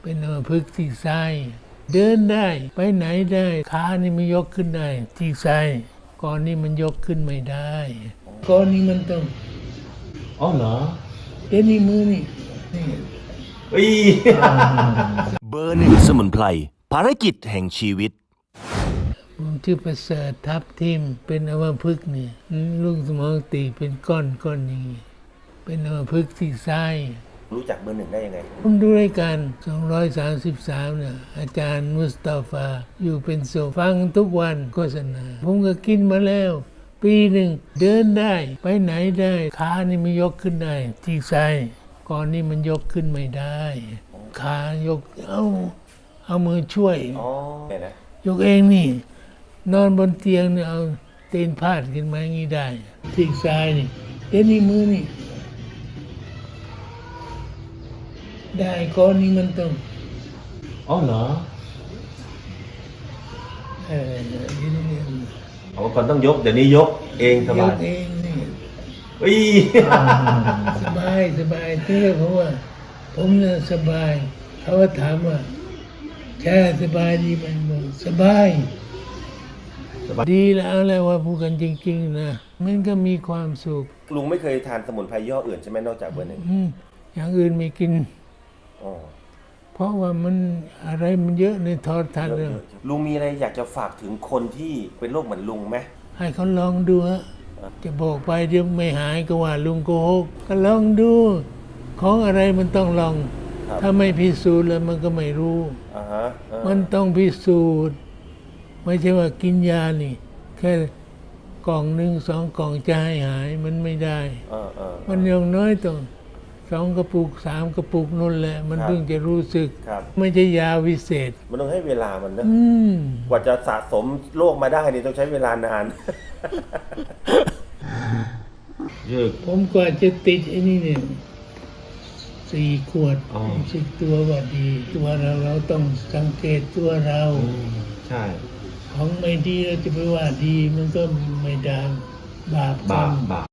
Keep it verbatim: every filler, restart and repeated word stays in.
เป็นอัมพฤกษ์ที่ซ้ายเดินได้ไปไหนได้ขานี่มันยกขึ้นได้ที่ซ้ายก่อนนี้มันยกขึ้นไม่ได้ก่อนนี้มันต้องอ๋อเหรอเดี๋ยวนี้มือนี่นี่เอ้ยเบอร์หนึ่งสมุนไพรภารกิจแห่งชีวิตผมชื่อประเสริฐทับทิมเป็นอัมพฤกษ์นี่ลูกสมองตีบเป็นก้อนก้อนอย่างนี้เป็นอัมพฤกษ์ที่ซ้ายรู้จักเบอร์หนึ่งได้ยังไงผมดูรายการสองร้อยสามสิบสามเนี่ยอาจารย์มุสตาฟาอยู่เป็นโซฟังทุกวันโฆษณาผมก็กินมาแล้ว ปีหนึ่งเดินได้ไปไหนได้ขานี่มันยกขึ้นได้ที่ซ้ายก่อนนี้มันยกขึ้นไม่ได้ขายกเอาเอามือช่วยอ๋อเนี่ยนะยกเองนี่ นอนบนเตียงเนี่ยเอาเตีนพาดขึ้นมาอย่างนี้ได้ที่ซ้ายนี่เดี๋ยวนี้มือนี่ได้ก่อนนี้มันต้องอ๋อเหรอเออเดี๋ยวนี้อ๋อก่อนต้องยก เดี๋ยวนี้ยกเองสยบายกเองนี่เอ้ยสบายสบายเท่เพราะว่า ผมน่ะสบาย เขาก็ถามว่าแช่สบายดีไหมบอกสบายสบายดีแล้วแหละว่าพูดกันจริงๆนะมันก็มีความสุขลุงไม่เคยทานสมุนไพรย่ห้ออื่นใช่ไหมนอกจากเบอร์หนึ่งอืมอย่างอื่นไม่กินอ๋อเพราะว่ามันอะไรมันเยอะในโทอดทันเยเลยอะๆลุงมีอะไรอยากจะฝากถึงคนที่เป็นโรคเหมือนลุงไหมให้เขาลองดูฮะจะบอกไปเดี๋ยวไม่หายก็ว่าลุงโกหกก็ลองดู ของอะไรมันต้องลองครับถ้าไม่พิสูจน์แล้วมันก็ไม่รู้อ่าฮะเออมันต้องพิสูจน์ ไม่ใช่ว่ากินยานี่ แค่กล่องหนึ่งสองกล่องจะให้หายมันไม่ได้เออเออมันอย่างน้อยต้องสองกระปุกสามกระปุกนั่นแหละ มันครับถึงจะรู้สึกครับไม่ใช่ยาวิเศษมันต้องให้เวลามันนะอืมกว่าจะสะสมโรคมาได้นี่ต้องใช้เวลานาน เยอะผมกว่าจะติดไอ้นี่เนี่ยสี่ขวดอ๋อรู้สึกตัวว่าดี ตัวเราเราต้องสังเกตตัวเราใช่ของไม่ดีเราจะไปว่าดีมันก็ไม่ได้บาปกรบาร ปมบาป